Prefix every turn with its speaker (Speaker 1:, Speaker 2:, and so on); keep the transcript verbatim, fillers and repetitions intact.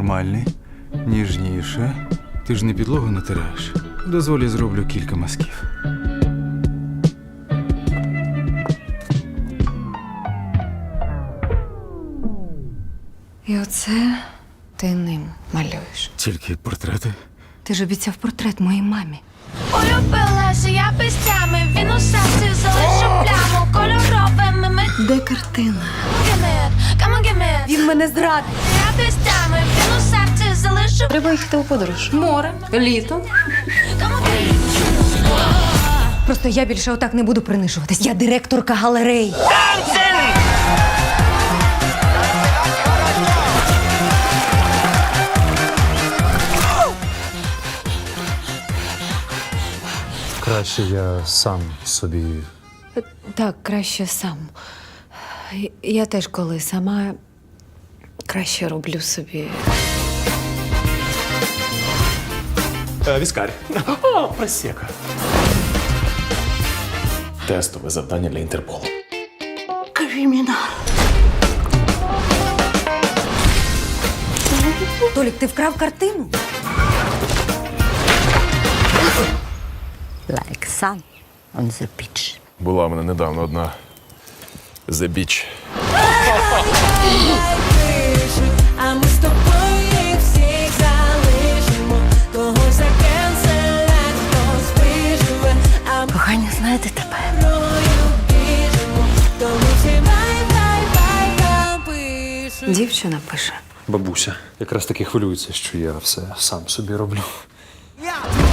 Speaker 1: нормальний, ніжніше. Ти ж не підлогу натираєш. Дозволі зроблю кілька мазків.
Speaker 2: І оце ти ним малюєш.
Speaker 1: Тільки портрети.
Speaker 2: Ти ж обіцяв портрет моїй мамі.
Speaker 3: Улюбилася я пестями, він у серці залишив пляму кольоровими ми.
Speaker 2: Де картина?
Speaker 3: Come on, give me.
Speaker 2: Він мене зрадив.
Speaker 3: Я пестями, він у серці залишив.
Speaker 2: Треба їхати у подорож. Море, літо.
Speaker 3: Come on, give me.
Speaker 2: Просто я більше отак не буду принижуватись. Я директорка галереї.
Speaker 4: Краще я сам собі.
Speaker 2: Так, краще сам. Я теж коли сама краще роблю собі.
Speaker 5: Е, Віскарь. О, просека. Тестове завдання для Інтерполу.
Speaker 2: Толік, ти вкрав картину?
Speaker 6: Like sun on the beach.
Speaker 5: Була в мене недавно одна The Beach.
Speaker 7: А ми з тобою їх всіх залишимо. Когось закенселять, хтось виживе. А ми
Speaker 6: Кохання, знаєте тепер.
Speaker 7: мною біжимо. Тому всі бай-бай-бай пишуть.
Speaker 2: Дівчина пише.
Speaker 4: Бабуся якраз таки хвилюється, що я все сам собі роблю.
Speaker 7: Я